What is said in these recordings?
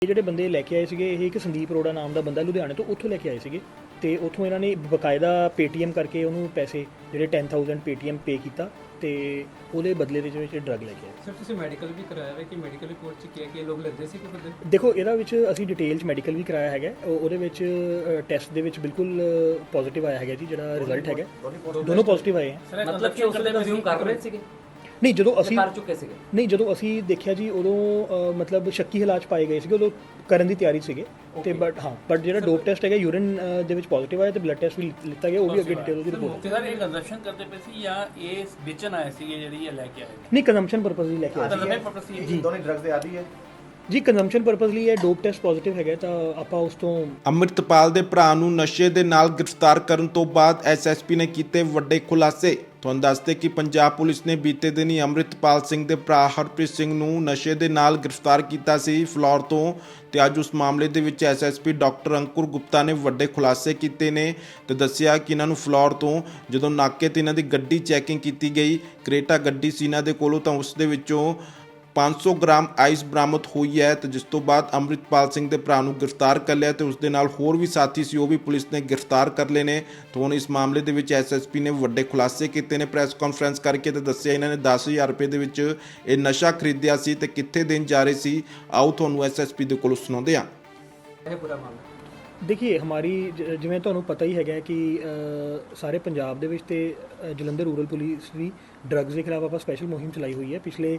ਇਹ ਜਿਹੜੇ ਬੰਦੇ ਲੈ ਕੇ ਆਏ ਸੀਗੇ ਇਹ ਇੱਕ ਸੰਦੀਪ ਅਰੋੜਾ ਨਾਮ ਦਾ ਬੰਦਾ ਲੁਧਿਆਣੇ ਤੋਂ ਉੱਥੋਂ ਲੈ ਕੇ ਆਏ ਸੀਗੇ ਤੇ ਉੱਥੋਂ ਇਹਨਾਂ ਨੇ ਬਕਾਇਦਾ ਪੇਟੀਐਮ ਕਰਕੇ ਉਹਨੂੰ ਪੈਸੇ ਜਿਹੜੇ 10000 ਪੇਟੀਐਮ ਪੇ ਕੀਤਾ ਤੇ ਉਹਦੇ ਬਦਲੇ ਦੇ ਵਿੱਚ ਡਰੱਗ ਲੈ ਕੇ ਆਏ। ਸਰ ਤੁਸੀਂ ਮੈਡੀਕਲ ਵੀ ਕਰਾਇਆ ਹੈ ਕਿ ਮੈਡੀਕਲ ਰਿਪੋਰਟ 'ਚ ਕੀ ਹੈ ਕਿ ਇਹ ਲੋਕ ਲੈਂਦੇ ਸੀ ਕਿ ਬੰਦੇ? ਦੇਖੋ ਇਹਦਾ ਵਿੱਚ ਅਸੀਂ ਡਿਟੇਲ 'ਚ ਮੈਡੀਕਲ ਵੀ ਕਰਾਇਆ ਹੈਗਾ, ਉਹਦੇ ਵਿੱਚ ਟੈਸਟ ਦੇ ਵਿੱਚ ਬਿਲਕੁਲ ਪੋਜ਼ਿਟਿਵ ਆਇਆ ਹੈਗਾ ਜੀ, ਜਿਹੜਾ ਰਿਜ਼ਲਟ ਹੈਗਾ ਦੋਨੋਂ ਪੋਜ਼ਿਟਿਵ ਆਏ ਹੈ। ਮਤਲਬ ਕਿ ਉਸ ਦੇ ਰਿਜ਼ਿਊਮ ਕਰ ਰਹੇ ਸੀਗੇ? ਨਹੀਂ, ਜਦੋਂ ਅਸੀਂ ਕਰ ਚੁੱਕੇ ਸੀਗੇ? ਨਹੀਂ, ਜਦੋਂ ਅਸੀਂ ਦੇਖਿਆ ਜੀ ਉਦੋਂ ਮਤਲਬ ਸ਼ੱਕੀ ਹਾਲਾਤ ਪਾਏ ਗਏ ਸੀਗੇ, ਉਦੋਂ ਕਰਨ ਦੀ ਤਿਆਰੀ ਸੀਗੇ ਤੇ ਬਟ ਜਿਹੜਾ ਡੋਪ ਟੈਸਟ ਹੈਗਾ ਯੂਰਿਨ ਦੇ ਵਿੱਚ ਪੋਜ਼ਿਟਿਵ ਆਇਆ ਤੇ ਬਲੱਡ ਟੈਸਟ ਵੀ ਲਿੱਤਾ ਗਿਆ, ਉਹ ਵੀ ਅੱਗੇ ਡਿਟੇਲ ਉਹਦੀ ਰਿਪੋਰਟ। ਸਰ ਇਹ ਕੰਜ਼ੰਪਸ਼ਨ ਕਰਦੇ ਪਏ ਸੀ ਜਾਂ ਇਹ ਵੇਚਣ ਆਏ ਸੀਗੇ ਜਿਹੜੀ ਇਹ ਲੈ ਕੇ ਆਏ? ਨਹੀਂ, ਕੰਜ਼ੰਪਸ਼ਨ ਪਰਪਸ ਲਈ ਲੈ ਕੇ ਆਏ ਸੀ ਜੀ। ਦੋਨੇ ਡਰੱਗਸ ਦੇ ਆਦੀ ਹੈ ਜੀ, ਕੰਜ਼ੰਪਸ਼ਨ ਪਰਪਸ ਲਈ ਇਹ ਡੋਪ ਟੈਸਟ ਪੋਜ਼ਿਟਿਵ ਹੈਗਾ ਤਾਂ ਆਪਾਂ ਉਸ ਤੋਂ ਅੰਮ੍ਰਿਤਪਾਲ ਦੇ ਭਰਾ ਨੂੰ ਨਸ਼ੇ ਦੇ ਨਾਲ ਗ੍ਰਿਫਤਾਰ ਕਰਨ ਤੋਂ ਬਾਅਦ ਐਸਐਸਪੀ ਨੇ ਕੀਤੇ ਵੱਡੇ ਖੁਲਾਸੇ। ਤੁਹਾਨੂੰ ਦੱਸਦੇ ਕਿ ਪੰਜਾਬ ਪੁਲਿਸ ਨੇ ਬੀਤੇ ਦਿਨੀ ਅੰਮ੍ਰਿਤਪਾਲ ਸਿੰਘ ਦੇ ਭਰਾ ਹਰਪ੍ਰੀਤ ਸਿੰਘ ਨੂੰ ਨਸ਼ੇ ਦੇ ਨਾਲ ਗ੍ਰਿਫਤਾਰ ਕੀਤਾ ਸੀ ਫਲੋਰ ਤੋਂ, ਤੇ ਅੱਜ ਉਸ ਮਾਮਲੇ ਦੇ ਵਿੱਚ ਐਸਐਸਪੀ ਡਾਕਟਰ ਅੰਕੁਰ ਗੁਪਤਾ ਨੇ ਵੱਡੇ ਖੁਲਾਸੇ ਕੀਤੇ ਨੇ ਤੇ ਦੱਸਿਆ ਕਿ ਇਹਨਾਂ ਨੂੰ ਫਲੋਰ ਤੋਂ ਜਦੋਂ ਨਾਕੇ ਤੇ ਇਹਨਾਂ ਦੀ ਗੱਡੀ ਚੈਕਿੰਗ ਕੀਤੀ ਗਈ, ਕਰੇਟਾ ਗੱਡੀ ਸੀ ਇਹਨਾਂ ਦੇ ਕੋਲੋਂ, ਤਾਂ ਉਸ ਦੇ ਵਿੱਚੋਂ 500 ਗ੍ਰਾਮ ਆਈਸ ਬਰਾਮਦ ਹੋਈ ਹੈ ਤੇ ਜਿਸ ਤੋਂ ਬਾਅਦ ਅੰਮ੍ਰਿਤਪਾਲ ਸਿੰਘ ਦੇ ਭਰਾ ਨੂੰ ਗ੍ਰਿਫਤਾਰ ਕਰ ਲਿਆ ਤੇ ਉਸ ਦੇ ਨਾਲ ਹੋਰ ਵੀ ਸਾਥੀ ਸੀ, ਉਹ ਵੀ ਪੁਲਿਸ ਨੇ ਗ੍ਰਿਫਤਾਰ ਕਰ ਲਏ ਨੇ। ਤਾਂ ਹੁਣ ਇਸ ਮਾਮਲੇ ਦੇ ਵਿੱਚ ਐਸਐਸਪੀ ਨੇ ਵੱਡੇ ਖੁਲਾਸੇ ਕੀਤੇ ਨੇ ਪ੍ਰੈਸ ਕਾਨਫਰੰਸ ਕਰਕੇ ਤੇ ਦੱਸਿਆ ਇਹਨਾਂ ਨੇ 10000 ਰੁਪਏ ਦੇ ਵਿੱਚ ਇਹ ਨਸ਼ਾ ਖਰੀਦਿਆ ਸੀ ਤੇ ਕਿੱਥੇ ਦੇਣ ਜਾ ਰਹੇ ਸੀ। ਆਓ ਤੁਹਾਨੂੰ ਐਸਐਸਪੀ ਦੇ ਕੋਲੋਂ ਸੁਣਾਉਂਦੇ ਹਾਂ। ਇਹ ਪੂਰਾ ਮਾਮਲਾ ਦੇਖੀਏ, ਹਮਾਰੀ ਜਿਵੇਂ ਤੁਹਾਨੂੰ ਪਤਾ ਹੀ ਹੈਗਾ ਕਿ ਸਾਰੇ ਪੰਜਾਬ ਦੇ ਵਿੱਚ ਤੇ ਜਲੰਧਰ ਰੂਰਲ ਪੁਲਿਸ ਵੀ ਡਰੱਗਸ ਦੇ ਖਿਲਾਫ ਆਪਾਂ ਸਪੈਸ਼ਲ ਮੁਹਿੰਮ ਚਲਾਈ ਹੋਈ ਹੈ। ਪਿਛਲੇ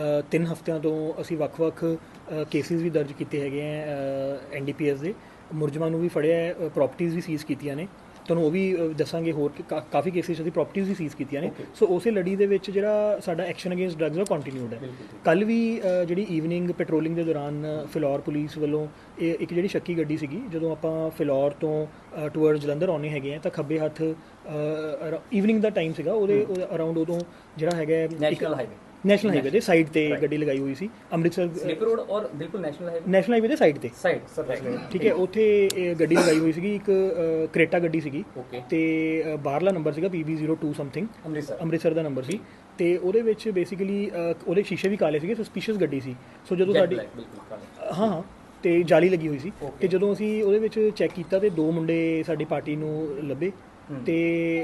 3 ਹਫ਼ਤਿਆਂ ਤੋਂ ਅਸੀਂ ਵੱਖ-ਵੱਖ ਕੇਸਿਸ ਵੀ ਦਰਜ ਕੀਤੇ ਹੈਗੇ ਆ, ਐਨਡੀਪੀਐਸ ਦੇ ਮੁਲਜ਼ਮਾਂ ਨੂੰ ਵੀ ਫੜਿਆ ਹੈ, ਪ੍ਰਾਪਰਟੀਆਂ ਵੀ ਸੀਜ਼ ਕੀਤੀਆਂ ਨੇ। ਤੁਹਾਨੂੰ ਉਹ ਵੀ ਦੱਸਾਂਗੇ, ਹੋਰ ਕਾਫੀ ਕੇਸਿਸ ਅਸੀਂ ਪ੍ਰਾਪਰਟੀਆਂ ਵੀ ਸੀਜ਼ ਕੀਤੀਆਂ ਨੇ। ਸੋ ਉਸੇ ਲੜੀ ਦੇ ਵਿੱਚ ਜਿਹੜਾ ਸਾਡਾ ਐਕਸ਼ਨ ਅਗੇਂਸਟ ਡਰੱਗਸ ਉਹ ਕੰਟੀਨਿਊਡ ਹੈ। ਕੱਲ ਵੀ ਜਿਹੜੀ ਈਵਨਿੰਗ ਪੈਟਰੋਲਿੰਗ ਦੇ ਦੌਰਾਨ ਫਿਲੌਰ ਪੁਲਿਸ ਵੱਲੋਂ ਇੱਕ ਜਿਹੜੀ ਸ਼ੱਕੀ ਗੱਡੀ ਸੀਗੀ, ਜਦੋਂ ਆਪਾਂ ਫਿਲੌਰ ਤੋਂ ਟੂਵਰਡ ਜਲੰਧਰ ਆਉਣੇ ਹੈਗੇ ਆ ਤਾਂ ਖੱਬੇ ਹੱਥ ਈਵਨਿੰਗ ਦਾ ਟਾਈਮ ਸੀਗਾ, ਉਹਦੇ ਅਰਾਊਂਡ ਉਦੋਂ ਜਿਹੜਾ ਹੈਗਾ ਨੈਸ਼ਨਲ ਹਾਈਵੇ ਦੇ ਸਾਈਡ ਤੇ ਗੱਡੀ ਲਗਾਈ ਹੋਈ ਸੀ, ਅੰਮ੍ਰਿਤਸਰ ਸਲਿਪ ਰੋਡ ਔਰ ਬਿਲਕੁਲ ਨੈਸ਼ਨਲ ਹਾਈਵੇ ਦੇ ਸਾਈਡ ਤੇ ਠੀਕ ਹੈ, ਉੱਥੇ ਗੱਡੀ ਲਗਾਈ ਹੋਈ ਸੀਗੀ, ਇੱਕ ਕਰੇਟਾ ਗੱਡੀ ਸੀਗੀ ਤੇ ਬਾਹਰਲਾ ਨੰਬਰ ਸੀਗਾ PB02 ਸਮਥਿੰਗ, ਅੰਮ੍ਰਿਤਸਰ ਦਾ ਨੰਬਰ ਸੀ ਤੇ ਉਹਦੇ ਵਿੱਚ ਬੇਸਿਕਲੀ ਉਹਦੇ ਸ਼ੀਸ਼ੇ ਵੀ ਕਾਲੇ ਸੀਗੇ, ਸਸਪੀਸ਼ੀਅਸ ਗੱਡੀ ਸੀ। ਸੋ ਜਦੋਂ ਸਾਡੀ ਹਾਂ ਤੇ ਜਾਲੀ ਲੱਗੀ ਹੋਈ ਸੀ ਤੇ ਜਦੋਂ ਅਸੀਂ ਉਹਦੇ ਵਿੱਚ ਚੈੱਕ ਕੀਤਾ ਤੇ 2 ਮੁੰਡੇ ਸਾਡੀ ਪਾਰਟੀ ਨੂੰ ਲੱਭੇ ਤੇ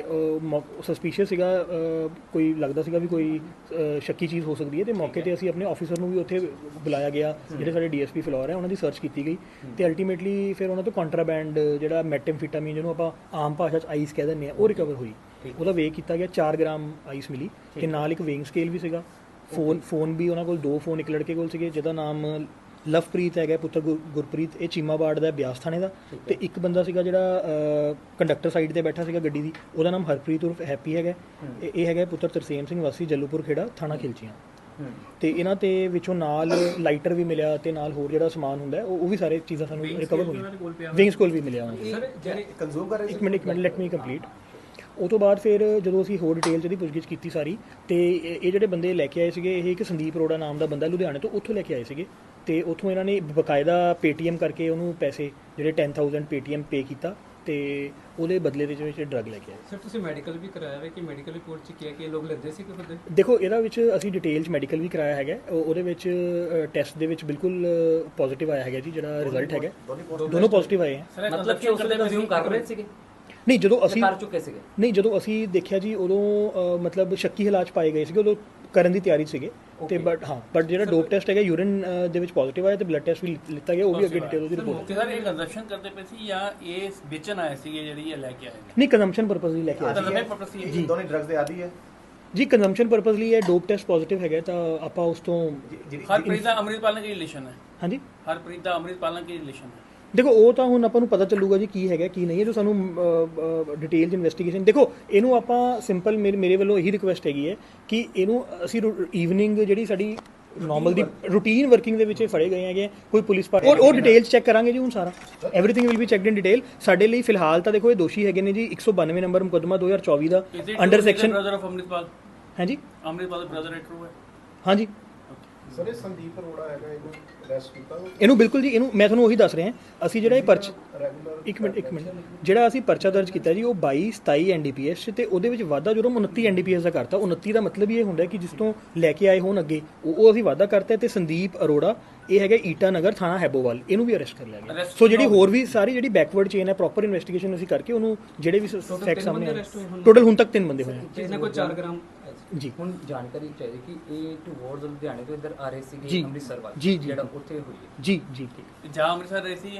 ਸਸਪੀਸ਼ੀਅਸ ਸੀਗਾ, ਕੋਈ ਲੱਗਦਾ ਸੀਗਾ ਵੀ ਕੋਈ ਸ਼ੱਕੀ ਚੀਜ਼ ਹੋ ਸਕਦੀ ਹੈ ਤੇ ਮੌਕੇ ਤੇ ਅਸੀਂ ਆਪਣੇ ਆਫੀਸਰ ਨੂੰ ਵੀ ਉੱਥੇ ਬੁਲਾਇਆ ਗਿਆ, ਜਿਹੜੇ ਸਾਡੇ ਡੀਐਸਪੀ ਫਲੋਰ ਹੈ, ਉਹਨਾਂ ਦੀ ਸਰਚ ਕੀਤੀ ਗਈ ਤੇ ਅਲਟੀਮੇਟਲੀ ਫਿਰ ਉਹਨਾਂ ਤੋਂ ਕੰਟਰਾਬੈਂਡ ਜਿਹੜਾ ਮੈਟਾਮਫੈਟਾਮੀਨ ਜਿਹਨੂੰ ਆਪਾਂ ਆਮ ਭਾਸ਼ਾ 'ਚ ਆਈਸ ਕਹਿ ਦਿੰਦੇ ਆ, ਉਹ ਰਿਕਵਰ ਹੋਈ। ਉਹਦਾ ਵੇਅ ਕੀਤਾ ਗਿਆ, 4 ਗ੍ਰਾਮ ਆਈਸ ਮਿਲੀ ਤੇ ਨਾਲ ਇੱਕ ਵੇਇੰਗ ਸਕੇਲ ਵੀ ਸੀਗਾ। ਫੋਨ ਵੀ ਉਹਨਾਂ ਕੋਲ 2 ਫੋਨ ਇੱਕ ਲੜਕੇ ਕੋਲ ਸੀਗੇ ਜਿਹਦਾ ਨਾਮ ਲਵਪ੍ਰੀਤ ਹੈਗਾ, ਪੁੱਤਰ ਗੁਰਪ੍ਰੀਤ, ਇਹ ਚੀਮਾਬਾੜ ਦਾ, ਬਿਆਸ ਥਾਣੇ ਦਾ, ਤੇ ਇੱਕ ਬੰਦਾ ਸੀਗਾ ਜਿਹੜਾ ਕੰਡਕਟਰ ਸਾਈਡ ਤੇ ਬੈਠਾ ਸੀਗਾ ਗੱਡੀ ਦੀ, ਉਹਦਾ ਨਾਮ ਹਰਪ੍ਰੀਤ ਉਰਫ ਹੈਪੀ ਹੈਗਾ। ਇਹ ਹੈਗਾ ਪੁੱਤਰ ਤਰਸੇਮ ਸਿੰਘ ਵਾਸੀ ਜੱਲੂਪੁਰ ਖੇੜਾ, ਥਾਣਾ ਖਿਲਚੀਆਂ। ਤੇ ਇਹਨਾਂ ਤੇ ਵਿੱਚੋਂ ਨਾਲ ਲਾਈਟਰ ਵੀ ਮਿਲਿਆ ਤੇ ਨਾਲ ਹੋਰ ਜਿਹੜਾ ਸਮਾਨ ਹੁੰਦਾ ਉਹ ਵੀ ਸਾਰੇ ਚੀਜ਼ਾਂ ਸਾਨੂੰ ਰਿਕਵਰ ਹੋਈਆਂ। ਵਿੰਗ ਸਕੂਲ ਵੀ ਮਿਲਿਆ ਇੱਕ ਮਿੰਟ ਲੈਟ ਮੀ ਕੰਪਲੀਟ। ਉਹ ਤੋਂ ਬਾਅਦ ਫਿਰ ਜਦੋਂ ਅਸੀਂ ਹੋਰ ਡਿਟੇਲ 'ਚ ਇਹਦੀ ਪੁੱਛਗਿੱਛ ਕੀਤੀ ਸਾਰੀ, ਤੇ ਇਹ ਜਿਹੜੇ ਬੰਦੇ ਲੈ ਕੇ ਆਏ ਸੀਗੇ ਇਹ ਇੱਕ ਸੰਦੀਪ ਅਰੋੜਾ ਨਾਮ ਦਾ ਬੰਦਾ ਲੁਧਿਆਣੇ ਤੋਂ ਉੱਥੋਂ ਲੈ ਕੇ ਆਏ ਸੀਗੇ ਤੇ ਉੱਥੋਂ ਇਹਨਾਂ ਨੇ ਬਕਾਇਦਾ ਪੇਟੀਐਮ ਕਰਕੇ ਉਹਨੂੰ ਪੈਸੇ ਜਿਹੜੇ 10000 ਪੇਟੀਐਮ ਪੇ ਕੀਤਾ ਤੇ ਉਹਦੇ ਬਦਲੇ ਦੇ ਵਿੱਚ ਡਰੱਗ ਲੈ ਕੇ ਆਏ। ਸਰ ਤੁਸੀਂ ਮੈਡੀਕਲ ਵੀ ਕਰਾਇਆ ਹੈ ਕਿ ਮੈਡੀਕਲ ਰਿਪੋਰਟ 'ਚ ਕੀ ਹੈ ਕਿ ਇਹ ਲੋਕ ਲੈਂਦੇ ਸੀ ਕਿ ਬੰਦੇ? ਦੇਖੋ ਇਹਦਾ ਵਿੱਚ ਅਸੀਂ ਡਿਟੇਲ 'ਚ ਮੈਡੀਕਲ ਵੀ ਕਰਾਇਆ ਹੈਗਾ, ਉਹਦੇ ਵਿੱਚ ਟੈਸਟ ਦੇ ਵਿੱਚ ਬਿਲਕੁਲ ਪੋਜ਼ਿਟਿਵ ਆਇਆ ਹੈਗਾ ਜੀ, ਜਿਹੜਾ ਰਿਜ਼ਲਟ ਹੈਗਾ ਦੋਨੋਂ ਪੋਜ਼ਿਟਿਵ ਆਏ ਹੈ। ਮਤਲਬ ਕਿ ਉਸ ਦੇ ਰਿਜ਼ਿਊਮ ਕਰ ਰਹੇ ਸੀਗੇ? ਨਹੀਂ, ਜਦੋਂ ਅਸੀਂ ਕਰ ਚੁੱਕੇ ਸੀਗੇ? ਨਹੀਂ, ਜਦੋਂ ਅਸੀਂ ਦੇਖਿਆ ਜੀ ਉਦੋਂ ਮਤਲਬ ਸ਼ੱਕੀ ਹਾਲਾਤ ਪਾਏ ਗਏ ਸੀਗੇ, ਉਦੋਂ ਕਰਨ ਦੀ ਤਿਆਰੀ ਸੀਗੇ ਤੇ ਬਟ ਜਿਹੜਾ ਡੋਪ ਟੈਸਟ ਹੈਗਾ ਯੂਰਿਨ ਦੇ ਵਿੱਚ ਪੋਜ਼ਿਟਿਵ ਆਇਆ ਤੇ ਬਲੱਡ ਟੈਸਟ ਵੀ ਲਿੱਤਾ ਗਿਆ, ਉਹ ਵੀ ਅੱਗੇ ਡਿਟੇਲ ਉਹਦੀ ਰਿਪੋਰਟ। ਸਰ ਇਹ ਕੰਜ਼ੰਪਸ਼ਨ ਕਰਦੇ ਪਏ ਸੀ ਜਾਂ ਇਹ ਵੇਚਣ ਆਏ ਸੀਗੇ ਜਿਹੜੀ ਇਹ ਲੈ ਕੇ ਆਏ? ਨਹੀਂ, ਕੰਜ਼ੰਪਸ਼ਨ ਪਰਪਸ ਲਈ ਲੈ ਕੇ ਆਏ ਜੀ। ਦੋਨੇ ਡਰੱਗਸ ਦੇ ਆਦੀ ਹੈ ਜੀ, ਕੰਜ਼ੰਪਸ਼ਨ ਪਰਪਸ ਲਈ ਇਹ ਡੋਪ ਟੈਸਟ ਪੋਜ਼ਿਟਿਵ ਹੈਗਾ ਤਾਂ ਆਪਾਂ ਉਸ ਤੋਂ ਹਰਪ੍ਰੀਤ ਦਾ ਅੰਮ੍ਰਿਤਪਾਲ ਨਾਲ ਕੀ ਰਿਲੇਸ਼ਨ ਹੈ? ਹਾਂਜੀ, ਹਰਪ੍ਰੀਤ ਦਾ ਅੰਮ੍ਰਿਤਪਾਲ ਨਾਲ ਕੀ ਰਿਲੇਸ਼ਨ ਹੈ? ਦੇਖੋ ਉਹ ਤਾਂ ਹੁਣ ਆਪਾਂ ਨੂੰ ਪਤਾ ਚੱਲੂਗਾ ਜੀ ਕੀ ਹੈਗਾ ਕੀ ਨਹੀਂ ਹੈ, ਜੋ ਸਾਨੂੰ ਡਿਟੇਲ ਇਨਵੈਸਟੀਗੇਸ਼ਨ। ਦੇਖੋ ਇਹਨੂੰ ਆਪਾਂ ਸਿੰਪਲ ਮੇਰੇ ਵੱਲੋਂ ਇਹੀ ਰਿਕੁਐਸਟ ਹੈਗੀ ਹੈ ਕਿ ਇਹਨੂੰ ਅਸੀਂ ਈਵਨਿੰਗ ਜਿਹੜੀ ਸਾਡੀ ਨਾਰਮਲ ਦੀ ਰੂਟੀਨ ਵਰਕਿੰਗ ਦੇ ਵਿੱਚ ਫੜੇ ਗਏ ਹੈਗੇ, ਕੋਈ ਪੁਲਿਸ ਪਾਰਟੀ ਉਹ ਡਿਟੇਲਸ ਚੈੱਕ ਕਰਾਂਗੇ ਜੀ। ਹੁਣ ਸਾਰਾ everything will be checked in detail. ਸਾਡੇ ਲਈ ਫਿਲਹਾਲ ਤਾਂ ਦੇਖੋ ਇਹ ਦੋਸ਼ੀ ਹੈਗੇ ਨੇ ਜੀ 192 ਨੰਬਰ ਮੁਕੱਦਮਾ 2024 ਦਾ under section. Brother of Amritpal? ਹਾਂਜੀ, ਅੰਮ੍ਰਿਤਪਾਲ ਦਾ ਬ੍ਰਦਰ ਹੈ, ਟਰੂ ਹੈ? ਹਾਂਜੀ ਸਰ, ਇਹ ਸੰਦੀਪ ਅਰੋੜਾ ਹੈਗਾ, ਇਹਨੂੰ ਅਰੈਸਟ ਕੀਤਾ ਇਹਨੂੰ ਬਿਲਕੁਲ ਜੀ, ਇਹਨੂੰ ਮੈਂ ਤੁਹਾਨੂੰ ਉਹੀ ਦੱਸ ਰਿਹਾ, ਅਸੀਂ ਜਿਹੜਾ ਇਹ ਇੱਕ ਮਿੰਟ ਜਿਹੜਾ ਅਸੀਂ ਪਰਚਾ ਦਰਜ ਕੀਤਾ ਜੀ ਉਹ 22 27 ਐਨਡੀਪੀਐਸ ਤੇ ਉਹਦੇ ਵਿੱਚ ਵਾਧਾ ਜੁਰਮ 29 ਐਨਡੀਪੀਐਸ ਦਾ ਕਰਤਾ। 29 ਦਾ ਮਤਲਬ ਇਹ ਹੁੰਦਾ ਕਿ ਜਿਸ ਤੋਂ ਲੈ ਕੇ ਆਏ ਹੋਣ ਅੱਗੇ ਉਹ ਅਸੀਂ ਵਾਧਾ ਕਰਤਾ। ਤੇ ਸੰਦੀਪ ਅਰੋੜਾ ਇਹ ਹੈਗਾ ਈਟਾ ਨਗਰ ਥਾਣਾ ਹੈਬੋਵਾਲ, ਇਹਨੂੰ ਵੀ ਅਰੈਸਟ ਕਰ ਲਿਆ ਗਿਆ। ਸੋ ਜਿਹੜੀ ਹੋਰ ਵੀ ਸਾਰੀ ਜਿਹੜੀ ਬੈਕਵਰਡ ਚੇਨ ਹੈ ਪ੍ਰੋਪਰ ਇਨਵੈਸਟੀਗੇਸ਼ਨ ਅਸੀਂ ਕਰਕੇ ਉਹਨੂੰ ਜਿਹੜੇ ਵੀ ਫੈਕਟ ਸਾਹਮਣੇ ਆਏ ਟੋਟਲ ਹੁਣ ਤੱਕ 3 ਬੰਦੇ ਹੋਏ ਤੇ ਇਹਨਾਂ ਕੋਲ 4 ਗ੍ਰਾਮ ਜੀ। ਹੁਣ ਜਾਣਕਾਰੀ ਚਾਹੀਦੀ ਕਿ ਇਹ ਟੂਵਰਡਸ ਲੁਧਿਆਣੇ ਤੋਂ ਇੱਧਰ ਆ ਰਹੇ ਜੀ। ਸੀਗੇ ਅੰਮ੍ਰਿਤਸਰ ਵੱਲ ਜੀ, ਜੀ। ਜਿਹੜਾ ਉੱਥੇ ਹੋਈ ਹੈ ਜੀ ਜੀ ਜਾਂ ਅੰਮ੍ਰਿਤਸਰ ਰਹੇ ਸੀ